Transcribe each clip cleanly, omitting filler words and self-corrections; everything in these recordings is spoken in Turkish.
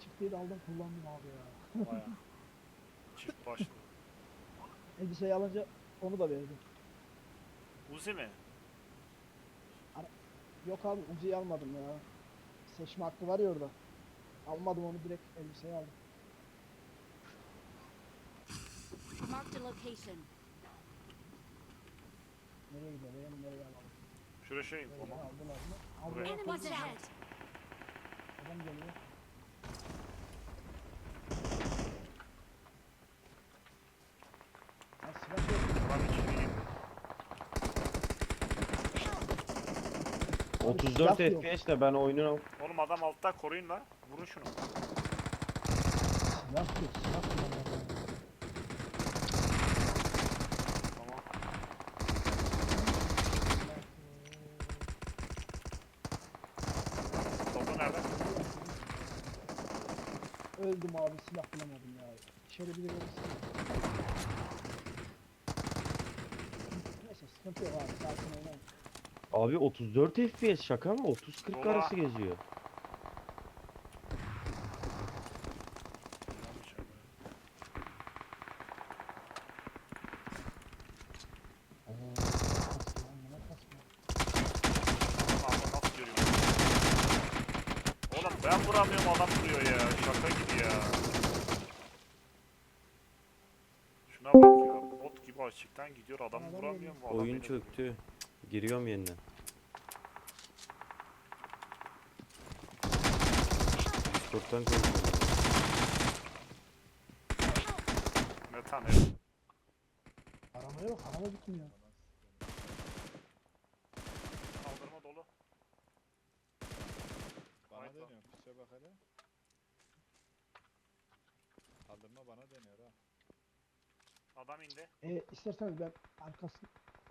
Çiftliği de aldım kullandım abi ya. Baya. Çift başlı. Elbiseyi alınca onu da verdim. Uzi mi? Ara- Yok abi Uzi'yi almadım ya. Seçme hakkı var ya orada. Almadım onu, direkt elbiseyi aldım. Marked a location. Nereye gidelim, nereye alalım? Şuraya şey Nereye tamam. aldılar mı? Abi Buraya. yok, Enemies yok. ahead. Adam geliyor. Ha, silah yok. Adam içeri girdi. Abi 34 silah yok. FPS de ben oyunu Oğlum adam altta, koruyun la. Vurun şunu. Silah yok. Silah kullanmadım. Tamam. Topu nerede? Öldüm abi, silah bulamadım ya. İçeri biri verirsin. Neyse sıkıntı yok abi, sakin oynayın. abi 34 FPS şaka mı? 30-40 Dola. arası geziyor. Abi nasıl görüyorum? Oğlum ben vuramıyorum, adam vuruyor ya. Şaka gibi ya. Şuna bak ya. Bot gibi açıktan gidiyor, adam Adam vuramıyorum. Bu adam Oyun beni vuruyor. çöktü. Giriyorum yeniden. Discord'dan konuşuyorum. Metan evet. Arabaya bak, araba bitmiyor. Kaldırma dolu. Bana Haydi lan. deniyor. Piçe bak hele. Kaldırma bana deniyor ha. Adam indi. İsterseniz ben arkasını...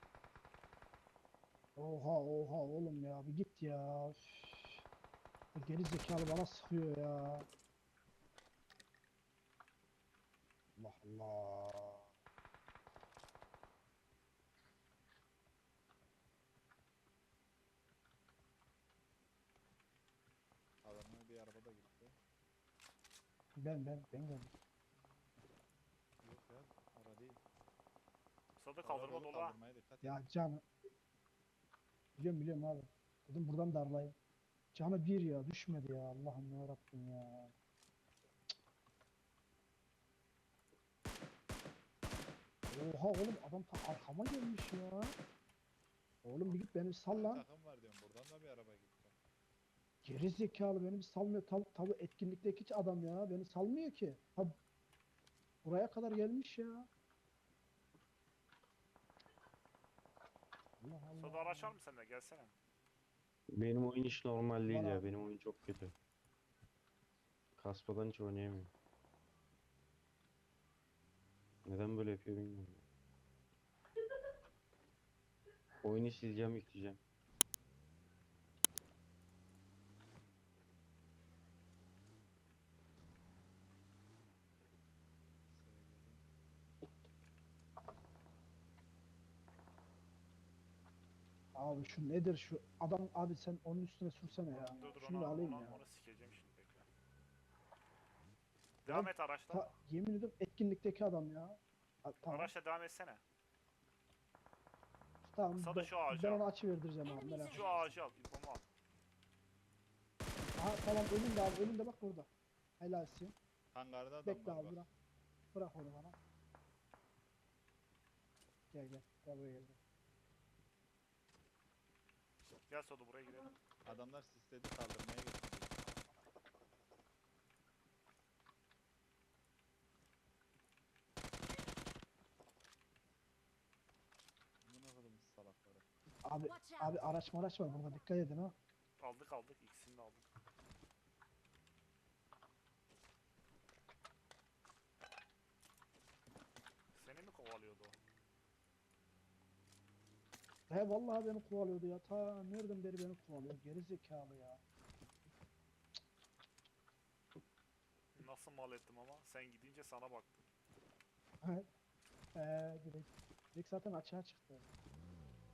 Oha oha oğlum ya, bir git ya. Üf. Bu geri zekalı bana sıkıyor ya. Allah Allah. Adamın bir araba da gitti. Ben geldim. Yok ya. Ara değil. Sada Ara kaldırma dolu, dolu ha. kaldırmaya dikkat et. Ya canı. Biliyorum abi. Dedim buradan darlayayım. Canı bir ya, düşmedi ya, Allah'ım ya Rabbim ya. Oha oğlum, adam ta arkama gelmiş ya. Oğlum bir git, beni bir sal Bir lan. takım var diyorum. Buradan da bir araba gitti. Geri zekalı, beni bir salmıyor. Tabi etkinlikteki hiç adam ya. Beni salmıyor ki. Ha, buraya kadar gelmiş ya. Allah Sada Allah. araç var mı sende? Gelsene. Benim oyun hiç normal değil Var ya. abi. Benim oyun çok kötü. Kaspadan hiç oynayamıyorum. Neden böyle yapıyor bilmiyorum. Oyunu sileceğim, yükleyeceğim. Abi şu nedir şu adam, abi sen onun üstüne sürsene ya. Dur Şunu da alayım ya. onu sikeceğim şimdi, bekle. Devam et araçla. Yemin ederim etkinlikteki adam ya. Tamam. Araçla devam etsene. Tamam Sada şu ağacı ben al. onu açı verdireceğim abi, merak etme. Şu ağacı al. İnfomu al. Aha tamam, önünde abi, önünde bak burada. Helalsin. Hangarda adam Bekle var abi, bak. bırak. Bırak onu bana. Gel gel. Gel buraya gel. Gel Sada, buraya gidelim. Adamlar sisledi, kaldırmaya gitti. Buna kadar salakları. Abi Watch out. abi araç var burada, dikkat edin ha. Aldık. İkisini de aldık. Seni mi kovalıyordu o? He vallahi beni kovalıyordu ya. Ta nereden beri beni kovalıyor. Geri zekalı ya. Nasıl mal ettim ama. Sen gidince sana baktım. Direkt zaten açığa çıktı.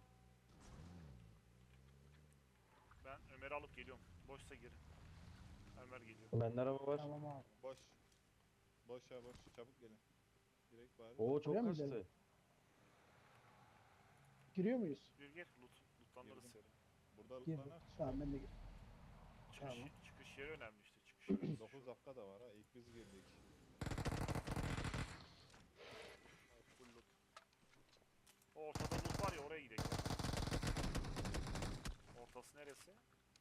Ben Ömer'i alıp geliyorum. Boşsa gir. Ömer geliyor. Bende araba var. Tamam abi. Boş. Boş ya boş. Çabuk gelin. Direkt bari. Oo Buraya çok mı kastı. gidelim? Giriyor muyuz? Gir. Lootlanırız Girdim. seni. Burada Girdim. lootlanak. Tamam ben de Çıkış, Tamam. çıkış yeri önemli işte. Çıkış yeri. 9 dakika da var ha. İlk biz girdik. Full loot. O ortada loot var ya, oraya gidelim. Ortası neresi?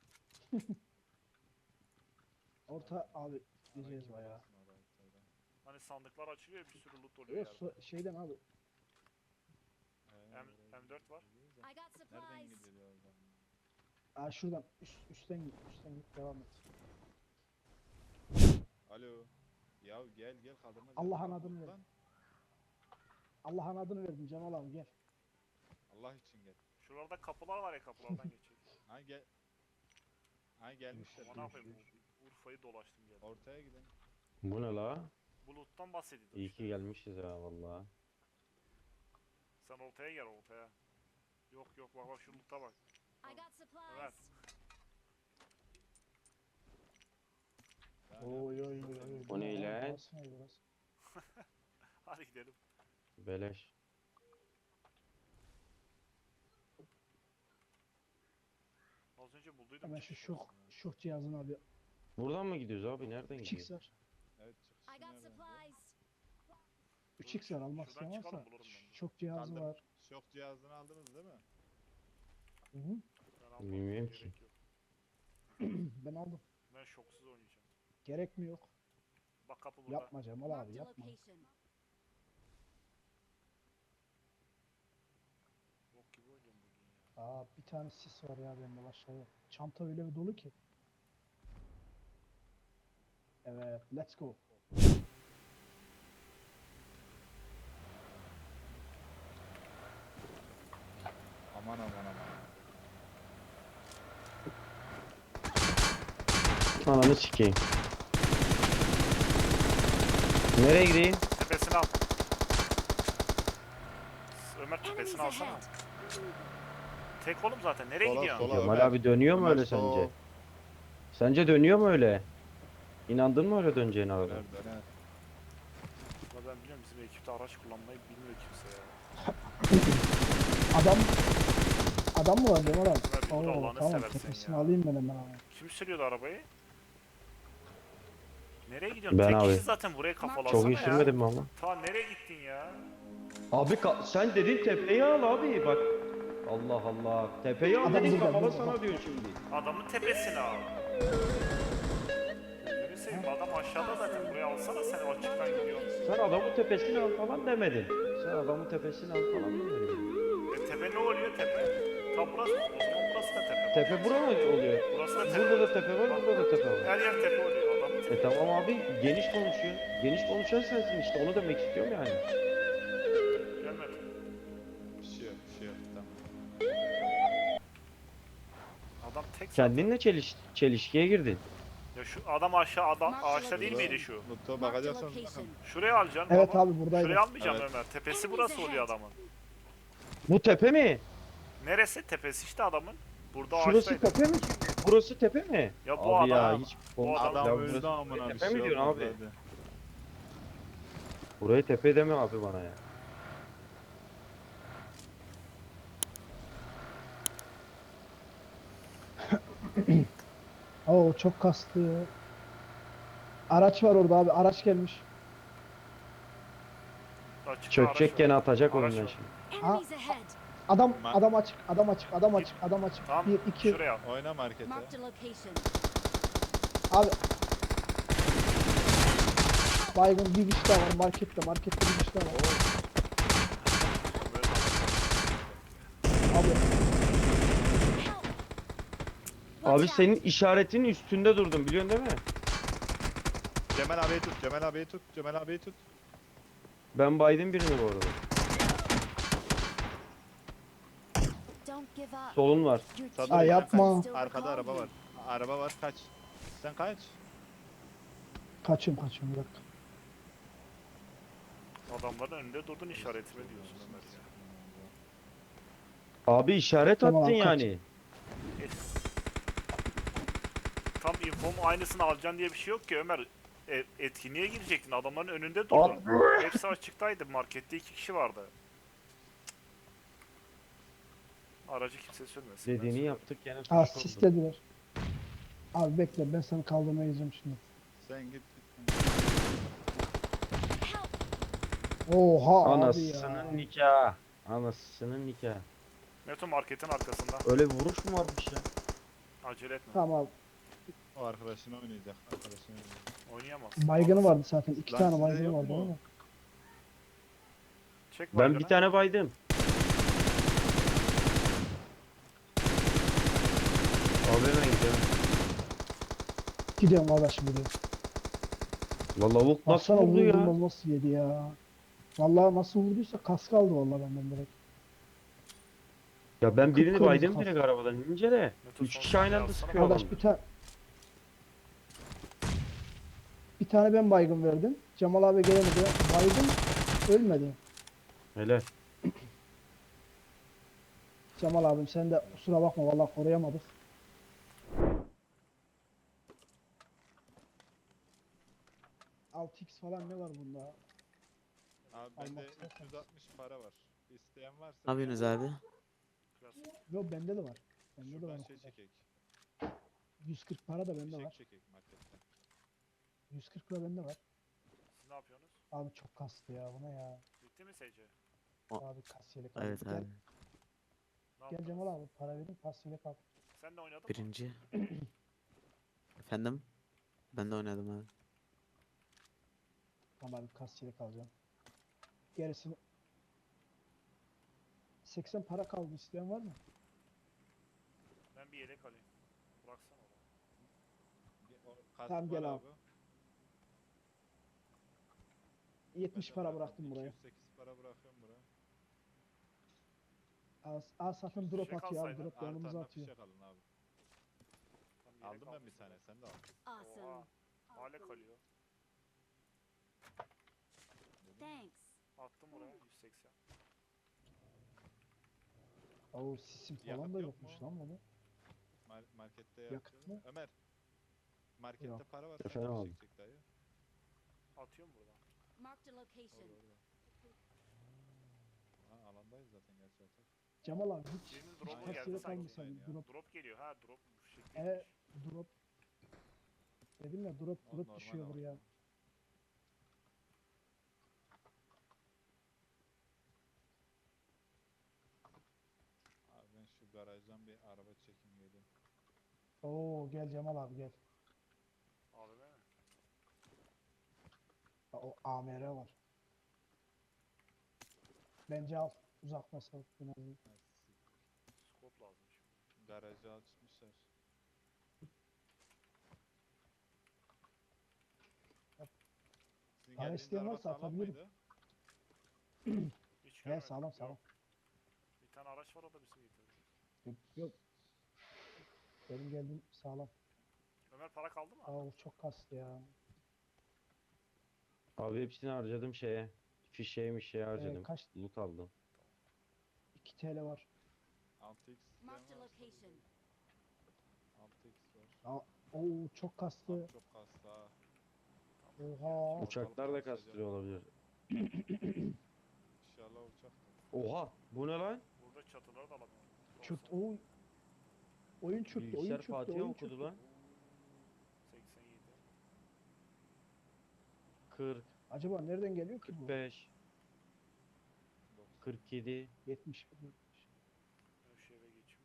orta abi gideceğiz Kim bayağı. olasın oraya içeriden? Hani sandıklar açılıyor, bir sürü loot oluyor Yok yerde. şeyden abi. M- M4 var. I got Nereden supplies. gidiyor oradan? Aa şuradan üstten git devam et. Alo. Ya gel kaldırma. Allah'ın Lan, adını ver. lan. Allah'ın adını verdim Cemal abi gel. Allah için gel. Şuralarda kapılar var ya, kapılardan geçecek. Ha gel. Ha gelmişler. Ama ne yapayım, Urfa'yı dolaştım geldim. Ortaya gidin. Bu ne la? Bu loot'tan bahsediyordum İyi işte. ki gelmişiz ha valla. Sen ortaya gel, ortaya. Yok bak şu loot'a bak. I got supplies. Evet. Daha Oy ne oy yapıyorsun oy sen? oy. O ne lan? Burası ne burası? Hadi gidelim. Beleş. Az önce bulduydum. Hemen şu çıkış şok arasında. şok cihazını abi. Buradan mı gidiyoruz abi? Nereden 3x gidiyoruz? var. Evet I çıkışı got nereden? supplies. 3x var almak Şuradan isteyen çıkalım, varsa. bulurum ben de. Şok cihazı Aldım. var. Şok cihazını aldınız değil mi? Hı -hı. Ben almadım, Bilmiyorum gerek ki. yok. Ben aldım. Ben şoksuz oynayacağım. Gerek mi yok? Bak kapı burada. Yapma Cemal abi Marked a yapma. location. Bok gibi oynuyorum bugün ya. Aa bir tane sis var ya bende başka yok. Çanta öyle bir dolu ki. Evet let's go. Aman. Ananı sikeyim. Nereye gideyim? Tepesini al. Ömer Enemies tepesini alsana. ahead. Tek oğlum zaten. Nereye Sola, gidiyorsun? sola. Cemal Ömer. abi dönüyor mu Ömer öyle sol. sence? Sence dönüyor mu öyle? İnandın mı öyle döneceğine arada? Döner döner. Ya ben biliyorum, bizim ekipte araç kullanmayı bilmiyor kimse ya. Adam mı var Cemal abi? Ömer bir dur, Allah'ını Tamam seversen tepesini ya. alayım ben hemen abi. Kim sürüyordu arabayı? Nereye gidiyorsun? Ben Tek abi. kişi zaten, buraya kafalasana Çok ya. iyi sürmedin mi ama? Ta nereye gittin ya? Abi sen dedin tepeyi al abi bak. Allah Allah. Tepeyi al Adam dedin burada, kafala burada. sana diyor şimdi. Adamın tepesini al. Gözünü seveyim, adam aşağıda zaten, buraya alsana, sen açıktan gidiyorsun. Sen adamın tepesini al falan demedin. Sen adamın tepesini al falan demedin. Tepe ne oluyor tepe? Tam burası mı? O zaman burası da tepe. Tepe bura mı oluyor? Burası da tepe. Burada da tepe var, burada da tepe var. Her yer tepe oluyor. Adamın tepe. Tamam abi geniş konuşuyorsun. Geniş konuşan sensin işte onu demek istiyorum yani. Gelmedi. Bir şey yok. Tamam. Adam tek zaten. Kendinle çelişkiye girdin. Ya şu adam aşağı, adam Mark ağaçta değil location. miydi şu? Mutlu Marked a bakacaksınız. location. Şuraya alacaksın. Evet baba. abi buradaydı. Şuraya almayacağım Evet. Ömer. Tepesi burası oluyor adamın. Bu tepe mi? Neresi? Tepesi işte adamın. Burada Şurası ağaçtaydı. tepe mi şimdi? Burası tepe mi? Ya bu abi ya adam- hiç bu adam Ya öldü burası amına bir tepe mi şey diyorsun olmadı abi? hadi. Burayı tepe deme abi bana ya. Oo çok kastı. Araç var orada abi araç gelmiş. Açık Çökecek araç gene var. atacak Araç önünden var. şimdi. Enemies ahead. Adam Ma- adam açık. Tamam. 1 2 Şuraya al. Oyna markete. Marked a location. abi. Baygın bir kişi daha var markette bir kişi daha var. Böyle Abi Help. Abi Watch senin out. işaretin üstünde durdum biliyorsun değil mi? Cemal abiyi tut. Ben baydım birini bu arada. Don't give up. Solun var. Your Sabır team Ay, yapma. is still Arkada araba recalling var. Araba var kaç. Sen kaç. kaçıyorum bir dakika. adamların önünde durdun, işaretime diyorsun Ömer ya. Abi işaret Tamam attın abi, kaç. yani. tam infomu aynısını alacaksın diye bir şey yok ki Ömer. Etkinliğe girecektin. Adamların önünde durdun. Hepsi açıktaydı. Markette 2 kişi vardı. Aracı kimse sürmesin. ben Dediğini sürerim. yaptık gene Ha suç oldu. sislediler. Abi bekle ben seni kaldırmaya gideceğim şimdi. Sen git. Help! Oha abi ya. Anasının nikahı. Anasının nikahı. Meto marketin arkasında. Öyle bir vuruş mu varmış ya? Acele etme. Tamam abi. O arkadaşını oynayacak. Arkadaşını oynayacak. Oynayamaz. Baygını vardı zaten. 2 Lan tane sizde baygını yok vardı mu? ama. Çek Ben baygını. bir tane baydım. Abi hemen gidelim. Gidiyorum kardeşim gidiyorum. La lavuk nasıl Baksana vurdu ya? vurduğumda nasıl yedi ya. Vallahi nasıl vurduysa kask aldı vallahi benden direkt. Ya ben birini Kıpkırmızı baydım kas. direkt arabadan inince de. Meto 3 son kişi aynı saniye anda alsana. sıkıyor Kardeş adam. bir tane ben baygın verdim. Cemal abi gelemedi. Baydım ölmedi. Hele. Cemal abim sen de kusura bakma vallahi koruyamadık. X falan ne var bunda? Abi bende Almak istersen. 360 para var. İsteyen varsa. Ne yapıyorsunuz abi? Klasik. Yok bende de var. Bende de var. Şuradan o şey kadar. çekek. 140 para da bende Fişek var. çekek marketten. 140 lira bende var. Siz ne yapıyorsunuz? Abi çok kastı ya buna ya. Bitti mi SC? Abi kasiyelik aldım. Evet Gel, abi. Ne gel yaptınız? Cemal abi para verin kasiyelik al. Sen de oynadın mı? Birinci. Efendim? Ben de oynadım abi. Tamam abi kasiyelik alacağım. Gerisini 80 para kaldı isteyen var mı? Ben bir yedek alayım. Bıraksana onu. Kask Tamam, gel var abi. 70 Ben de para bıraktım. bıraktım buraya. 208 para bırakıyorum buraya. Az satın drop Fişek atıyor abi alsaydın, drop yanımıza Artan'dan atıyor. fişek alın abi. Tam yedek Aldım ben bir aldım tane. sana. Sen de al. Awesome. Oha. Hale kalıyor. Thanks. Attım oraya 180. Oo sisim falan Yakıt da yok yokmuş mu? lan bunu. Markette Yakıt yapıyorlar. mı? Ömer. Markette Yok. para var. Efendim Sen abi. fişek çek dayı. Atıyorum buradan. Marked a location. Orada. Ha, alandayız zaten gerçi atak. Cemal abi hiç Birinin hiç drop'u geldi kasiyelik sanki. almışsın Ya. drop. Drop geliyor ha drop bu şekilde. Drop. Dedim ya drop O drop normal düşüyor ama. buraya. Abi ben şu garajdan bir araba çekeyim geleyim. Oo gel Cemal abi gel. AVM mi? O AMR var. Bence al. Uzak mesafe en azından. Ha, siktir. Scope lazım şimdi. Garajı açmışlar. Sizin Para geldiğiniz isteyen araba varsa sağlam atabilirim. mıydı? Hiç He görmedim. sağlam Yok. sağlam. Bir tane araç var o da bizim getirdi. Yok. Benim geldiğim sağlam. Ömer para kaldı mı? Aa çok kastı ya. Abi hepsini harcadım şeye. Fişeğmiş şeye harcadım. Kaç? Loot aldım. 2 TL var. 6x isteyen Marked a varsa location. 6x var. Oo çok kastı. Abi çok kastı ha. Oha. Uçaklar da kastırıyor olabilir. İnşallah uçaktır. Oha! Bu ne lan? Burada çatıları da alamıyorum. Çıt 90, o oyun çöktü, oyun Bilgisayar çöktü, Fatih'e oyun okudu çöktü. lan. 87. 40, Acaba nereden geliyor ki bu? 45, 47. 70. Ben şu eve geçeyim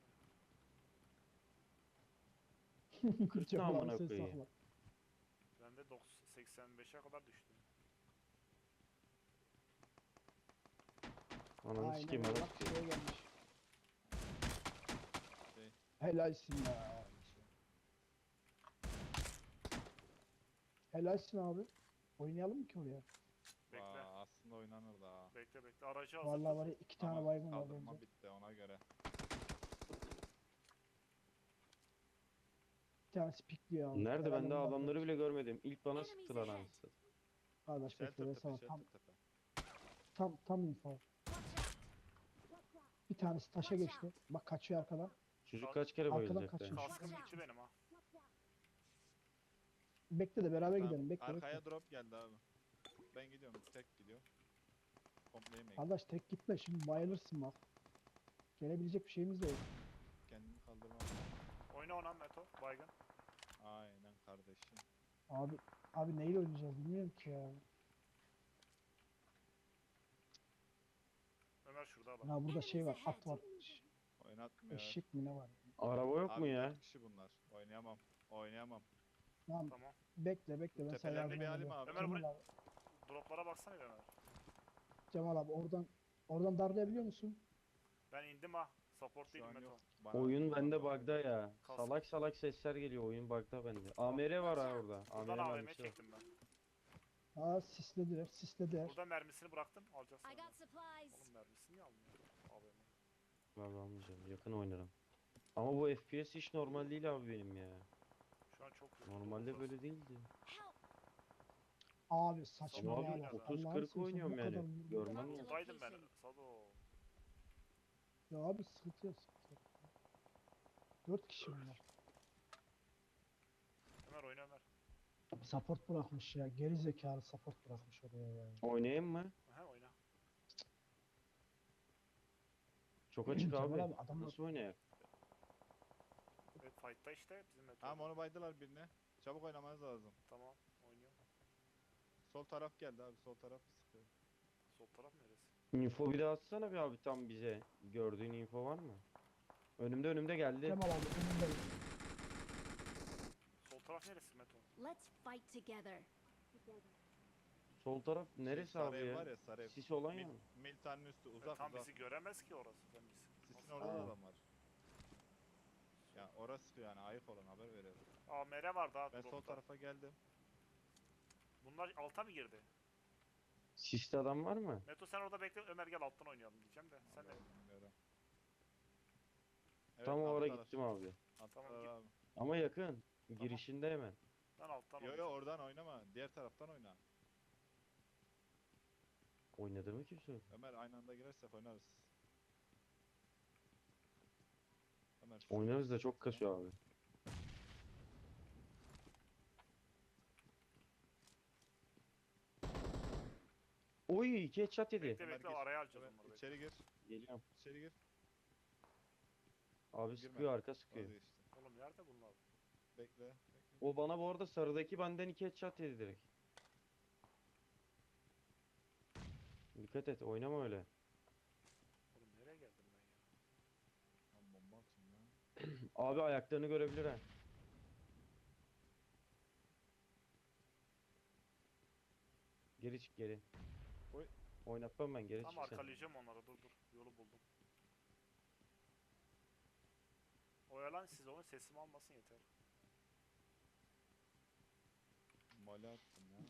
mi? Cemal abi amına sen koyayım. sakla. Ben de 85'e kadar düştüm. Ananı Aynen sikeyim öyle, adam. bak şuraya gelmiş. Şey. Helalsin ya. Helalsin abi. Oynayalım mı ki oraya? Bekle. Aslında oynanır da. Bekle bekle. Aracı hazır. Vallahi var ya 2 tane Ama baygın var kaldırma bence. bitti ona göre. Bir tanesi pikliyor abi. Nerede ben Herhalde daha bunlar adamları da- bile görmedim. İlk bana Enemies sıktılar ahead. anasını. Arkadaş bekle ben Shelter sana tepe, tam shelter tepe. tam info. Bir tanesi taşa geçti. Bak kaçıyor arkadan. Çocuk kaç kere Arkadan bayılacak da. kaçıyor. Kaskım bitti benim ha. Bekle de beraber Tamam, gidelim. Bekle arkaya bekle. drop geldi abi. Ben gidiyorum, tek gidiyorum. Komple yemeğe Kardeş tek gitme şimdi bayılırsın bak. Gelebilecek bir şeyimiz de yok. kendimi kaldırmam. Oyna ona Meto. Baygın. Aynen kardeşim. Abi neyle oynayacağız bilmiyorum ki ya. Ömer şurada bak. Ya burada şey var, at var. Oynatmıyor. Eşek mi ne var? Araba yok mu Abi ya? 4 kişi bunlar. Oynayamam. Oynayamam. Tamam Tamam. bekle ben sana Tepelerini yardım bir alayım edeceğim. abi. Ömer Cemal buraya- abi, Droplara baksana bir Ömer. Cemal abi oradan darlayabiliyor musun? Ben indim ha. Support Şu değilim an Meto. yok. Bana Oyun atma bende abi. bug'da ya. Kas- Salak salak sesler geliyor, oyun bug'da bende. AMR var ha orada. Buradan AMR AVM mermisi var. çektim ben. Aa sislediler. Burada mermisini bıraktım. Alacağız I sonra. got supplies. Oğlum mermisini niye almıyor? AVM. Vallahi almayacağım. Yakın oynarım. Ama bu FPS hiç normal değil abi benim ya. Şu an çok kötü. Normalde Burası. böyle değildi. Help. Abi saçma Ama ya. abi bak, 30-40 Allah'ını seversen oynuyorum bu kadar yani. vurdu. Görmen Marked lazım. Buradaydım ben. location. Sado. Ya abi sıkıntı yok. 4 kişi bunlar. Ömer oyna Ömer. Support bırakmış ya. Geri zekalı support bırakmış oraya ya. Oynayayım mı? Aha oyna. Çok açık Cemal abi. abi, adamlar- Nasıl oynayayım? Evet fight'ta işte bizim Meto. Tamam onu baydılar birine. Çabuk oynamanız lazım. Tamam. Oynuyorum. Sol taraf geldi abi. Sol taraf sıkıyor. Sol taraf neresi? Info bir de atsana bir abi tam bize. Gördüğün info var mı? Önümde geldi. Cemal abi önündeyim. Sol taraf neresi Meto? Let's fight together. Sol taraf neresi sarı abi ev ya? var ya sarı ev. Sis olan ya. Militanın üstü uzak Tam uzak. bizi göremez ki orası. Sen bizi. Sisin Nasıl- orada da Aa. adam var. Ya orası yani ayık olun haber verelim. AMR var daha Ben sol dropta. tarafa geldim. Bunlar alta mı girdi? Siste adam var mı? Meto sen orada bekle. Ömer gel alttan oynayalım diyeceğim de. Sen de. Vallahi bilmiyorum. Evet, Tam oraya attılar. gittim abi. Attılar Tamam, git. abi. Ama yakın. Girişinde hemen. Ben alttan Yo yo oynayacağım. oradan oynama. Diğer taraftan oyna. Oynadı mı kimse? Ömer aynı anda girersek oynarız. Ömer, şu Oynarız da sesle. çok kasıyor abi. Oy, iki headshot yedi. Bekle Ömer bekle gir. araya alacağız Ömer, onları. Bekle. İçeri gir. Geliyorum. İçeri gir. Abi Girme. sıkıyor, arka sıkıyor. Vazgeçti. Oğlum nerede bunlar? Bekle. Bekle. O bana bu arada sarıdaki benden iki headshot yedi direkt. Dikkat et, oynama öyle. Oğlum nereye geldim ben ya? Lan bomba atayım ya. Abi ayaklarını görebilir ha. Geri çık geri. Oy. Oynatmam ben, geri Tam çık sen. arkalayacağım onları. Dur dur. Yolu buldum. Oyalan siz onun sesimi almasın yeter. Mole attım ya.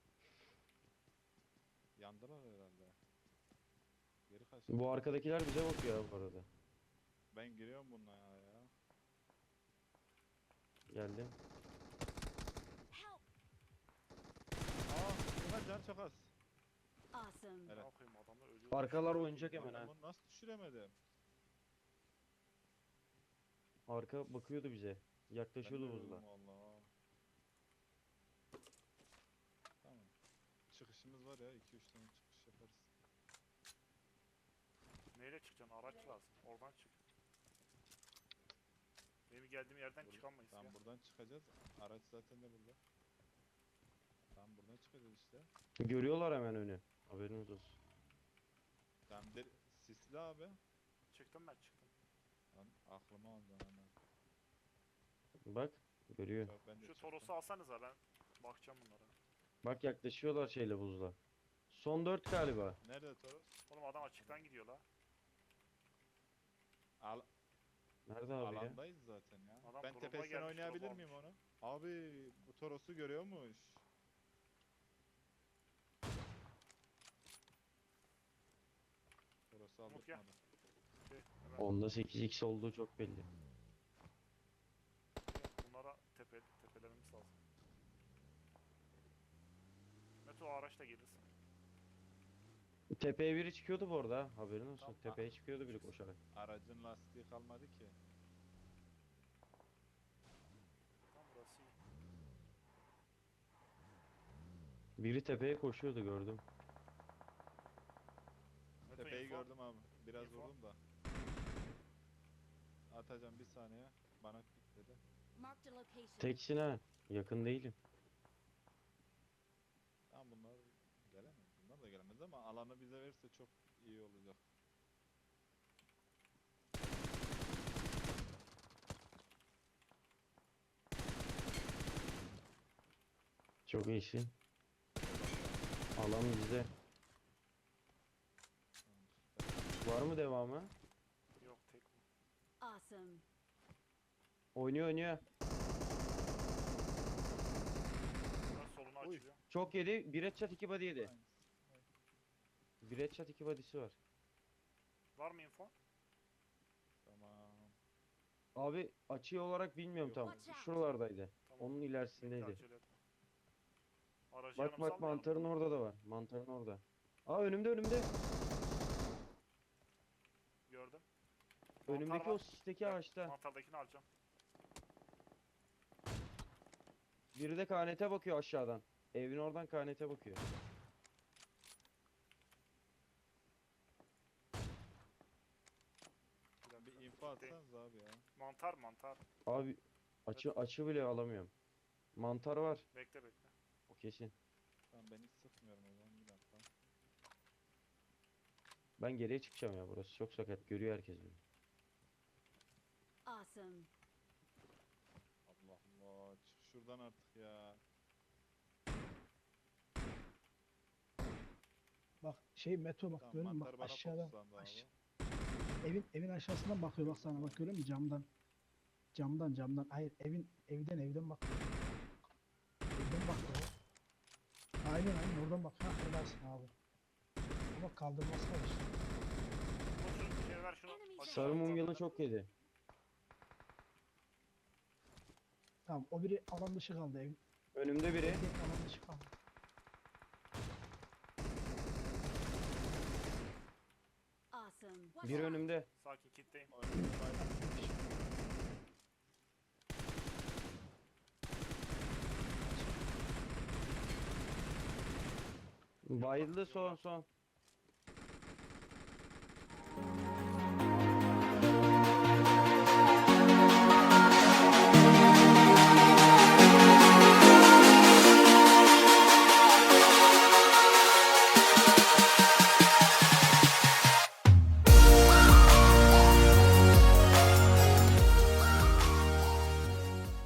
Yandılar herhalde. Geri kaç. Bu arkadakiler bize bakıyor abi bu arada. Ben giriyorum bununla ya. Geldim. Help. Aa, Ömer can çok az. Awesome. Evet. Ne yapayım adamlar ölüyor. Arkalar oynayacak hemen Ben ha. bunu nasıl düşüremedim? Arka bakıyordu bize. Ben Yaklaşıyordu de buzla. öldüm valla. Tamam. Çıkışımız var ya 2-3 tane çıkış yaparız. Neyle çıkacaksın? Araç lazım. Oradan çık. Benim geldiğim yerden çıkamayız ya. Tamam buradan çıkacağız. Araç zaten de burada. Tamam buradan çıkacağız işte. Görüyorlar hemen önü. Haberiniz olsun. Tamam sisli abi. Çıktım ben çıktım. Lan aklıma aldı hemen. Bak, görüyor. Yok, ben de Şu çıktım. Toros'u alsanıza ben bakacağım bunlara. Bak yaklaşıyorlar şeyle buzla. Son 4 galiba. Nerede Toros? Oğlum adam açıktan gidiyor la. Nerede abi ya? Alandayız zaten ya. Adam Ben drop'a tepesinden gelmiş, oynayabilir drop miyim almış. onu? Abi bu Toros'u görüyormuş. Toros'u Umut gel. aldırtmadı. Şey, hemen Onda 8x olduğu çok belli. bunlara tepelememiz lazım. Meto o araçla gelirsin. Tepeye biri çıkıyordu bu arada ha, haberin olsun. Tamam. Tepeye çıkıyordu biri koşarak. Aracın lastiği kalmadı ki. Tam burası iyi. Biri tepeye koşuyordu gördüm. Meto Tepeyi info. gördüm abi. Biraz Info. vurdum da. Atacağım bir saniye. Bana klik dedi. Marked a location. Teksin ha. Yakın değilim. Tamam bunlar gelemez. Bunlar da gelemez ama alanı bize verirse çok iyi olacak. Çok iyisin. Alan bizde. Tamam, süper. Var mı devamı? Yok tek mi? Awesome. Oynuyor oynuyor. Ben solunu Uy. açacağım. Çok yedi. Bir headshot 2 body yedi. Aynen. Bir headshot 2 body'si var. Var mı info? Tamam. Abi açı olarak bilmiyorum Yok. tam. Watch out. Şuralardaydı. Tamam. Onun Bekle, ilerisindeydi. acele etme. Aracı Bak yanımıza bak almayalım. mantarın orada da var. Mantarın orada. Aa önümde önümde. Gördüm. Önümdeki var. o sisteki ağaçta. Mantardakini alacağım. Biri de KNT bakıyor aşağıdan. Evin oradan KNT bakıyor. Bir dakika. Bir info Gitti. atsanız abi ya. Mantar. Abi açı bile alamıyorum. Mantar var. Bekle bekle. O kesin. Tamam ben hiç sıkmıyorum o zaman bir dakika. Ben geriye çıkacağım ya, burası çok sakat. Görüyor herkes beni. Awesome. Allah Allah çık şuradan artık ya. Bak şey Meto bak Tamam görüyor musun? mantar Bak bana aşağıdan. fokuslandı abi. Evin aşağısından bakıyor bak sana, bak görüyor musun camdan. Camdan. Hayır evden bak. Evden bak ya. Aynen oradan bak. Ha oradasın abi. Ama kaldırması var işte. Koşun şey ver şunu. Enemies Aşağı Sarı at, mumyalı at. çok yedi. Tamam o biri alan dışı kaldı evin. Önümde biri. Evdeki alan dışı kaldı. Awesome. Watch Bir out. önümde. Sakin kitleyim. Oyunun Bayıldı son.